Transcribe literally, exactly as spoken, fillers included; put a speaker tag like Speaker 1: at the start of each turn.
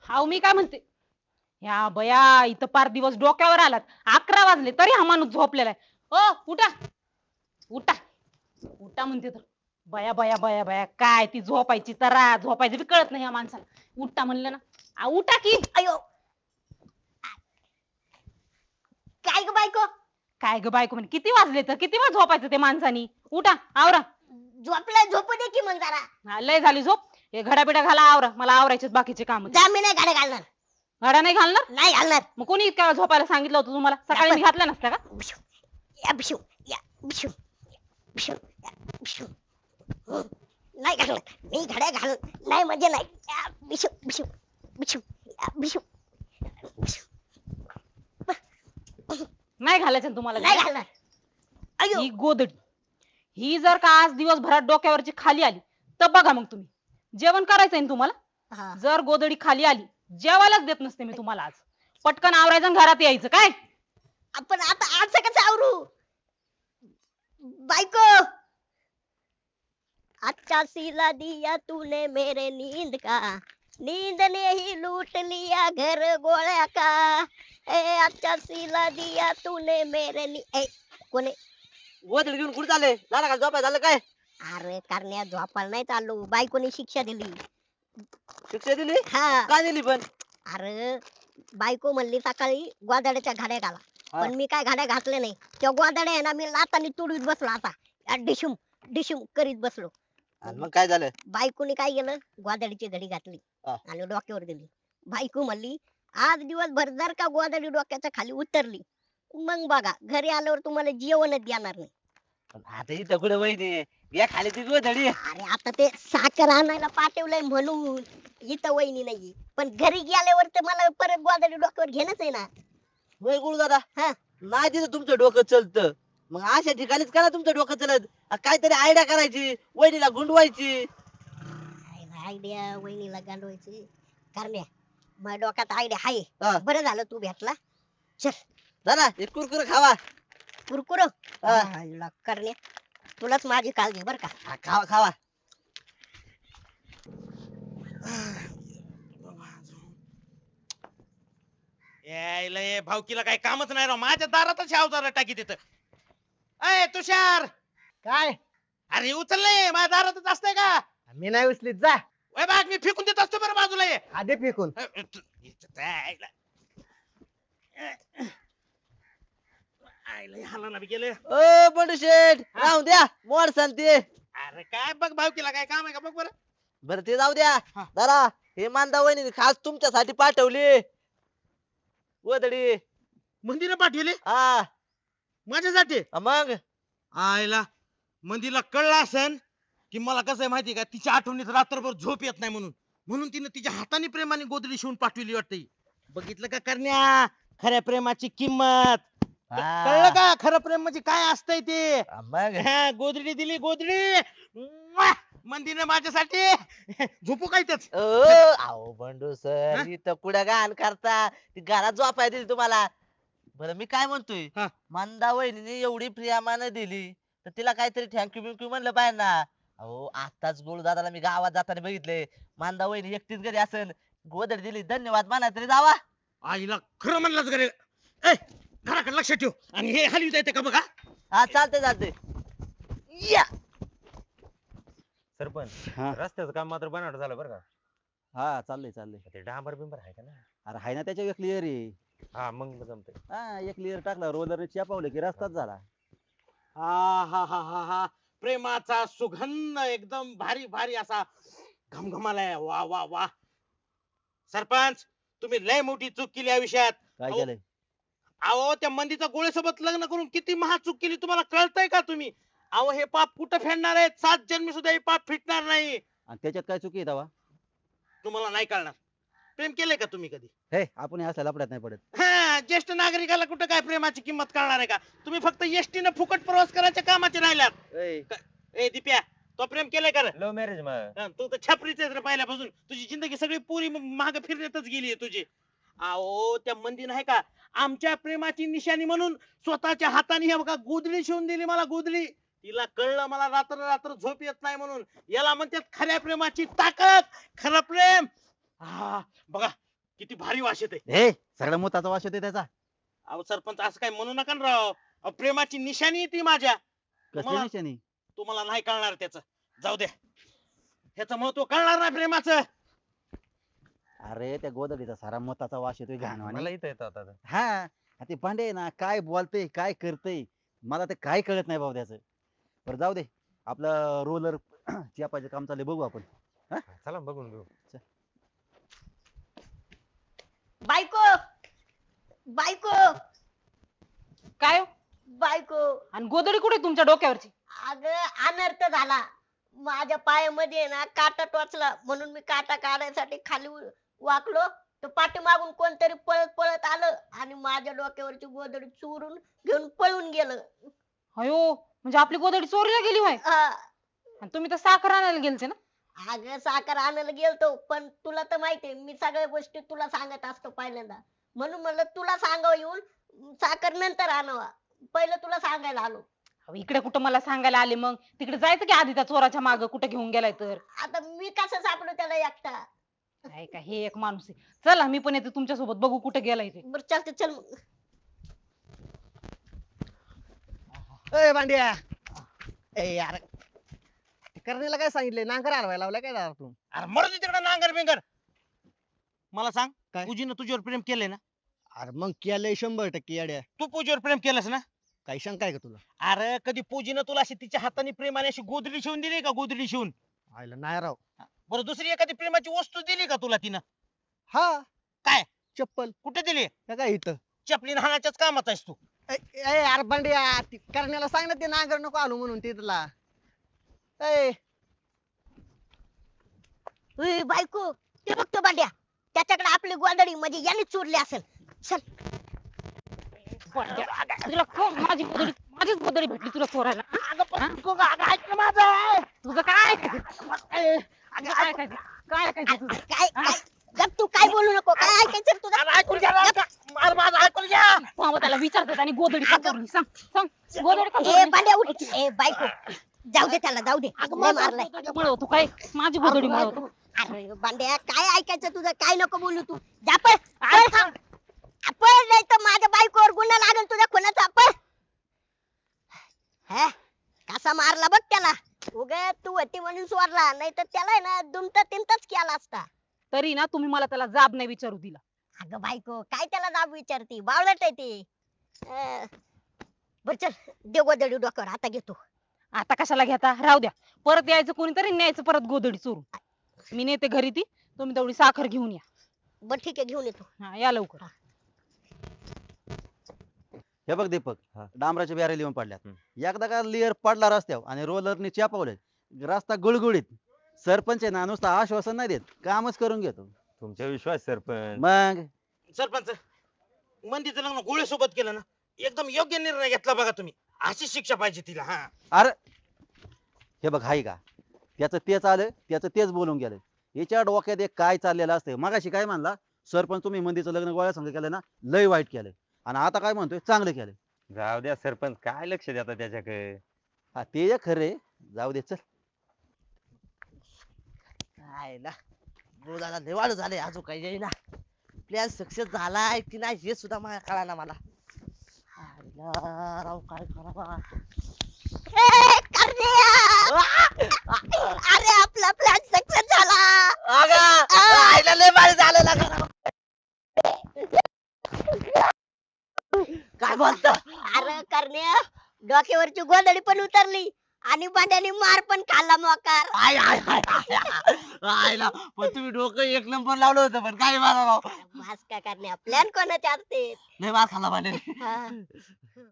Speaker 1: हाव मी काय म्हणते, या बया इथं पार दिवस डोक्यावर आलात. अकरा वाजले तरी हा माणूस झोपलेला आहे. ओ उठा उठा उठा म्हणते तर. बया बया बया बया काय ती झोपायची तरा झोपायचं बी कळत नाही या माणसाला. उठा म्हणलं ना. आ, उठा की.
Speaker 2: अयो काय ग बायको?
Speaker 1: काय ग बायको म्हणे किती वाजले तर किती वेळ झोपायचं ते माणसानी. उठा आवरा.
Speaker 2: झोपलाय झोपू दे की मग जरा.
Speaker 1: हा, लय झाली झोप. हे घडा बिडा घाला आवरा मला आवरायचे बाकीचे काम.
Speaker 2: जा मी नाही गाड्या घालणार.
Speaker 1: घडा नाही घालणार.
Speaker 2: नाही घालणार.
Speaker 1: मग कोणी इतक्या वेळ झोपायला सांगितलं होतं तुम्हाला? सकाळी मी घातल्या नसत्या का?
Speaker 2: बिशू, या बिशू, या बिशू, बिशू, या बिशू. नाही घालणार. मी घड्या घाल नाही म्हणजे नाही. या बिशू, बिशू, बिशू, या बिशू, बिशू.
Speaker 1: नाही घालायचं ना तुम्हाला
Speaker 2: नाही
Speaker 1: घड्या?
Speaker 2: घालणार. अयो
Speaker 1: ही गोदडी ही जर का आज दिवसभरात डोक्यावरची खाली आली तर बघा मग तुम्ही. जेवण करायचंय ना तुम्हाला.
Speaker 2: हा.
Speaker 1: जर गोदडी खाली आली जेवायलाच देत नसते मी तुम्हाला आज. पटकन आवरायचं आणि घरात यायचं काय.
Speaker 2: आपण आता आज कसं आवरू? बायको अच्छा सिला दिया तूने मेरे नींद का, नींद ने ही लूट लिया घर गोळ्या का. ए अच्छा सिला दिया तूने मेरे नी ए कोणे.
Speaker 3: गोदडी घेऊन कुठे चालले? झालं का झोपाय झालं काय?
Speaker 2: अरे करण्या झोपायला नाही चाललो. बायकोने शिक्षा दिली.
Speaker 3: शिक्षा दिली?
Speaker 2: हा.
Speaker 3: काय दिली पण?
Speaker 2: अरे बायको म्हणली सकाळी गोदाड्याच्या घड्या घाला.
Speaker 3: हा.
Speaker 2: पण मी काय घड्या घातल्या नाही. त्या गोदाड्या आहे ना मी लातानी तुडवीत बसलो आता. या डिशुम डिशुम करीत बसलो.
Speaker 3: आणि मग काय झालं?
Speaker 2: बायकोने काय केलं गोदाडीची घडी घातली
Speaker 3: हा.
Speaker 2: आणि डोक्यावर दिली. बायको म्हणली आज दिवसभर जर का गोदाडी डोक्याच्या खाली उतरली मग बघा घरी आल्यावर तुम्हाला जेवणच देणार नाही.
Speaker 3: पण आता इथं कुठे वहिनी या खाली ती गोदडी.
Speaker 2: अरे आता ते साखर आणायला पाठवलंय म्हणून इथं वहिनी नाही. पण घरी गेल्यावर तर मला परत गोदाडी डोक्यावर घेणंच आहे ना.
Speaker 3: होय गुरु दादा.
Speaker 2: हा.
Speaker 3: नाही तिथं तुमचं डोकं चलतं. मग अशा ठिकाणीच करा तुमचं डोकं चलत. आ, काहीतरी आयडिया करायची वहिनीला गुंडवायची.
Speaker 2: आयडिया वहिनीला गांडवायची करण्या. माझ्या डोक्यात आयडिया आहे.
Speaker 3: हा.
Speaker 2: बरं झालं तू भेटला. चल
Speaker 3: दादा हे कुरकुर खावा.
Speaker 2: कुरकुरो
Speaker 3: हा.
Speaker 2: करण्या तुलाच माझी काळजी बर का.
Speaker 3: हा, खावा खावा.
Speaker 4: यायला ये भावकीला काही कामच नाही राव. माझ्या दारातच अवजार टाकी तिथं. अय तुषार,
Speaker 5: काय
Speaker 4: अरे उचल नाही माझ्या दारातच असतंय का?
Speaker 5: मी नाही उचलीत जा.
Speaker 4: वय बाग मी फेकून देत असतो बरं बाजूला ये.
Speaker 5: आधी फेकून.
Speaker 4: अ, अ, तू- इथं यायला. आयला हालाना बी गेले.
Speaker 3: ओ बंडू शेठ राहून द्या मोड सांगते.
Speaker 4: अरे काय बघ भावकीला काय काम आहे का बघ बरं.
Speaker 3: बरं ते जाऊ द्या.
Speaker 4: हा.
Speaker 3: दादा हे मांदा वहिनी खास तुमच्यासाठी पाठवली गोदडी.
Speaker 4: मंदिर पाठवली
Speaker 3: हा
Speaker 4: माझ्यासाठी.
Speaker 3: मग
Speaker 4: आयला मंदिरला कळलं असन की मला कसं आहे माहिती का तिच्या आठवणीत रात्रभर झोप येत नाही म्हणून म्हणून तिने तिच्या हाताने प्रेमाने गोदडी शिवून पाठवली वाटते. बघितलं का करण्या खऱ्या प्रेमाची किंमत. क-
Speaker 3: हा.
Speaker 4: कळलं का खरं प्रेम म्हणजे काय असतंय ते.
Speaker 3: मग
Speaker 4: हा, गोदडी दिली गोदडी. म्वा! मंदिरने माझ्यासाठी झोपू काय तेच.
Speaker 3: ओ अहो बंडू सर
Speaker 4: हा?
Speaker 3: इथं कुठं घाण करता ती घरात झोपाय दिली तुम्हाला. बरं मी काय म्हणतोय
Speaker 4: हा.
Speaker 3: मंदा वहिनीने एवढी प्रियामानं दिली तर तिला काहीतरी थँक्यू बिंक्यू म्हणलं पाहिजे ना. अहो आताच गोळू दादाला मी गावात जाताना बघितले. मंदा वहिनी एकटीच घरी असेल गोदडी दिली धन्यवाद म्हणा तरी जावा.
Speaker 4: आईला खरं म्हणलंच घरी. ए घराकडे लक्ष ठेव आणि हे हलवी येते का बघा.
Speaker 3: हा चालते चालते या.
Speaker 6: सरपंच
Speaker 5: हा.
Speaker 6: रस्त्याचं काम मात्र बनावट झालं बरं का.
Speaker 5: हा चाललंय चाललंय.
Speaker 6: ते डांबर बिंबर आहे का ना.
Speaker 5: अरे हाय ना त्याच्या एक लेअर आहे.
Speaker 6: हा मग जमतंय.
Speaker 5: हा एक लेअर टाकला रोलर चिपावलं की रस्ताच झाला.
Speaker 4: हा हा हा हा हा प्रेमाचा सुगंध एकदम भारी भारी असा घमघमालाय. वा वा वा सरपंच तुम्ही लय मोठी चूक केली या विषयात.
Speaker 5: काय
Speaker 4: अहो,
Speaker 5: केलंय?
Speaker 4: अहो त्या मंदीचा गोळ्यासोबत लग्न करून किती महा चूक केली तुम्हाला कळतंय का तुम्ही? अहो हे पाप कुठं फेडणार आहे? सात जन्मी सुद्धा हे पाप फिटणार नाही.
Speaker 5: आणि त्याच्यात काय चुकी आहे तेव्हा?
Speaker 4: तुम्हाला नाही कळणार. प्रेम केलंय का तुम्ही कधी?
Speaker 5: हे आपण हे असल्या लपड्यात नाही पडत.
Speaker 4: हा ज्येष्ठ नागरिकाला कुठं काय प्रेमाची किंमत कळणार आहे का? तुम्ही फक्त एसटीनं फुकट प्रवास करायच्या कामाचे राहिल्यात.
Speaker 5: ए,
Speaker 4: ए दिप्या तो प्रेम केलंय का रे?
Speaker 6: लव्ह मॅरेज मग.
Speaker 4: हा, तू तर छपरीच आहेस रे पहिल्यापासून. तुझी जिंदगी सगळी पुरी माग फिरण्यातच गेली तुझी. अहो त्या मंदी नाही का आमच्या प्रेमाची निशाणी म्हणून स्वतःच्या हाताने हे बघा गोदडी शिवून दिली मला गोदडी. तिला कळलं मला रात्र रात्र झोप येत नाही म्हणून. याला म्हणतात खऱ्या प्रेमाची ताकद. खरं प्रेम. हा बघा किती भारी वास येते.
Speaker 5: हे सगळा मोताचा वास येतोय त्याचा.
Speaker 4: अहो सरपंच असं काय म्हणू नका ना राव. अहो, प्रेमाची निशाणी ती माझ्या.
Speaker 5: कसली
Speaker 4: मला-
Speaker 5: निशाणी?
Speaker 4: तुम्हाला नाही कळणार त्याचं. जाऊ द्या. ह्याचं महत्व कळणार नाही प्रेमाचं.
Speaker 5: अरे त्या गोदडीचा सारा मोताचा वास येतोय घाणवाणी.
Speaker 6: मला इथं येतं आता.
Speaker 5: हा ते भांडे आहे ना काय बोलतय काय करतय मला ते काय कळत नाही बाबा त्याचं. बरं जाऊ दे आपलं रोलर चियापायचं काम चाललंय बघू आपण.
Speaker 6: चला बघून घेऊ.
Speaker 2: बायको बायको
Speaker 1: काय हो?
Speaker 2: बायको
Speaker 1: आणि गोदडी कुठे तुमच्या डोक्यावरची?
Speaker 2: अगं अनर्थ झाला. माझ्या पायामध्ये ना काटा टोचला म्हणून मी काटा काढायसाठी खाली उ- वाकलो तर पाठीमागून कोणतरी पळत पळत आलं आणि माझ्या डोक्यावरची गोदडी चोरून घेऊन पळून गेलं.
Speaker 1: अयो म्हणजे आपली गोदडी चोरीला गेली होय.
Speaker 2: हा.
Speaker 1: आणि तुम्ही तर साखर आणायला गेलते ना?
Speaker 2: अगं साखर आणायला गेलतो पण तुला तर माहितीये मी सगळ्या गोष्टी तुला सांगत असतो पहिल्यांदा म्हणून म्हणलं तुला सांगावं येऊन साखर नंतर आणावा पहिलं तुला सांगायला आलो.
Speaker 1: अहो, इकडे कुठं मला सांगायला आले मग? तिकडे जायचं की आधी त्या चोराच्या माग कुठे घेऊन गेलाय तर.
Speaker 2: आता मी कसं सापडू त्याला एकटा.
Speaker 1: काय का हे एक माणूस आहे. चला मी पण येते तुमच्या सोबत बघू कुठे गेलाय ते.
Speaker 2: बरं चालते चल मग.
Speaker 7: ए भांड्या ए यार करणीला काय सांगितलंय नांगर हलवायला लावलाय काय दादा तू?
Speaker 4: अरे मरू दे तिकडे नांगर बिंगर. मला सांग
Speaker 7: काय?
Speaker 4: पूजीनं तुझ्यावर प्रेम केलंय ना?
Speaker 7: अरे मग केलंय शंभर टक्के येड्या.
Speaker 4: तू पूजीवर प्रेम केलंस ना?
Speaker 7: काही शंका आहे का तुला?
Speaker 4: अरे कधी पूजीनं तुला अशी तिच्या हाताने प्रेमाने अशी गोदडी शिवून दिली का? गोदडी शिवून.
Speaker 7: आयला नाही राव.
Speaker 4: बरं दुसरी एखादी प्रेमाची वस्तू दिली का तुला तिनं?
Speaker 7: हा
Speaker 4: काय?
Speaker 7: चप्पल
Speaker 4: कुठे दिली?
Speaker 7: का काय इथं?
Speaker 4: चपलीन हाणाच्याच कामात आहेस तू.
Speaker 7: ए ए, यार भांड्या ती करण्याला सांग ना ते नांगर नको आलो म्हणून ते तुला. ए
Speaker 2: उई, बायको ते बघतो भांड्या त्याच्याकडे आपली गोंधळी म्हणजे याने चोरली असेल. चल
Speaker 1: तुला कोण- माझी गोदडी माझीच गोदडी भेटली तुला चोरायला? हा?
Speaker 4: माझं
Speaker 1: तुझं काय ऐकायचं? तुझं काय ऐकायचं? काय ऐकायचं तुझं?
Speaker 2: काय काय गप तू काय बोलू नको काय ऐकायचं रे तुला.
Speaker 4: ऐकून घ्या ना. अरे माझं ऐकून घ्या.
Speaker 1: थांब, त्याला विचारतात आणि गोदडी का चोरली? सांग सांग गोदडी का
Speaker 2: ए
Speaker 1: चोरली?
Speaker 2: भांड्या उठ. ए बायको जाऊ दे त्याला जाऊ दे. लय मारलाय.
Speaker 1: गोदडी मिळवतो काय? माझी गोदडी मिळवतो.
Speaker 2: अरे भांड्या काय ऐकायचं तुझं काय नको बोलू तू. जा पळ पळ थांब. पळ नाही तर माझ्या बायकोवर गुन्हा लागेल तुझ्या खुनाचा. पळ. हे कसा मारला बघ त्याला. उगा तू होती म्हणून सोडला नाही तर त्याला आहे ना दुमता तिमताच केला असता.
Speaker 1: तरी ना तुम्ही मला त्याला जाब नाही विचारू दिला.
Speaker 2: अगं बायको काय त्याला जाब विचारती बावळट आहे ते. अं, बर चल दे गोदडी डोक्यावर आता घेतो.
Speaker 1: आता कशाला घेता? राहू द्या. परत यायचं कोणीतरी न्यायचं परत गोदडी चोरून. मी नेते घरी ती. तुम्ही तेवढी साखर घेऊन या.
Speaker 2: बर ठीक आहे घेऊन येतो.
Speaker 1: हा या लवकर.
Speaker 5: हे बघ दीपक
Speaker 6: हा.
Speaker 5: डांबराच्या बॅरेल येऊन पडल्यात.
Speaker 6: हम्म.
Speaker 5: एकदा का लेअर पडला रस्त्यावर आणि रोलरने चियापावले रस्ता गुळगुळीत. सरपंच आहे ना नुसतं आश्वासन नाही देत कामच करून घेतो.
Speaker 6: तुमच्या विश्वास सरपंच.
Speaker 5: मग
Speaker 4: सरपंच मंदीचं लग्न गोळ्यासोबत केलं ना एकदम योग्य निर्णय घेतला बघा तुम्ही. अशी शिक्षा पाहिजे तिला. हा
Speaker 5: अरे हे बघ हाय का त्याचं तेच आलं त्याचं तेच बोलून गेलं. याच्या डोक्यात एक काय चाललेलं असतं. मगाशी काय म्हणला सरपंच तुम्ही मंदीचं लग्न गोळ्या संग केलं ना लय वाईट केलं आणि आता काय म्हणतोय चांगलं केलं.
Speaker 6: जाऊ द्या सरपंच काय लक्ष देता त्याच्याकडे.
Speaker 5: हा ते एक खरे जाऊ दे चल.
Speaker 3: आयला दादा लय वाढ झाले अजून काही येईना. प्लॅन सक्सेस झालाय की नाही हे सुद्धा मला कळाना मला. आयला राव काय करावा.
Speaker 2: ए, करण्या! अरे आपला प्लॅन सक्सेस झाला.
Speaker 3: अगं, आयला लय भारी झालं ना घरावर. काय बोलतो.
Speaker 2: अरे करण्या डोक्यावरची गोंधळी पण उतरली आणि भांड्याने मार पण खाल्ला मोकार.
Speaker 3: आय आय आय आय. आयला पण तुम्ही डोकं एक नंबर लावलं होतं पण काय मारा राव.
Speaker 2: मास का करण्या प्लॅन कोणाचे असते.
Speaker 3: लय मार खाल्ला भांड्याने.
Speaker 2: हा.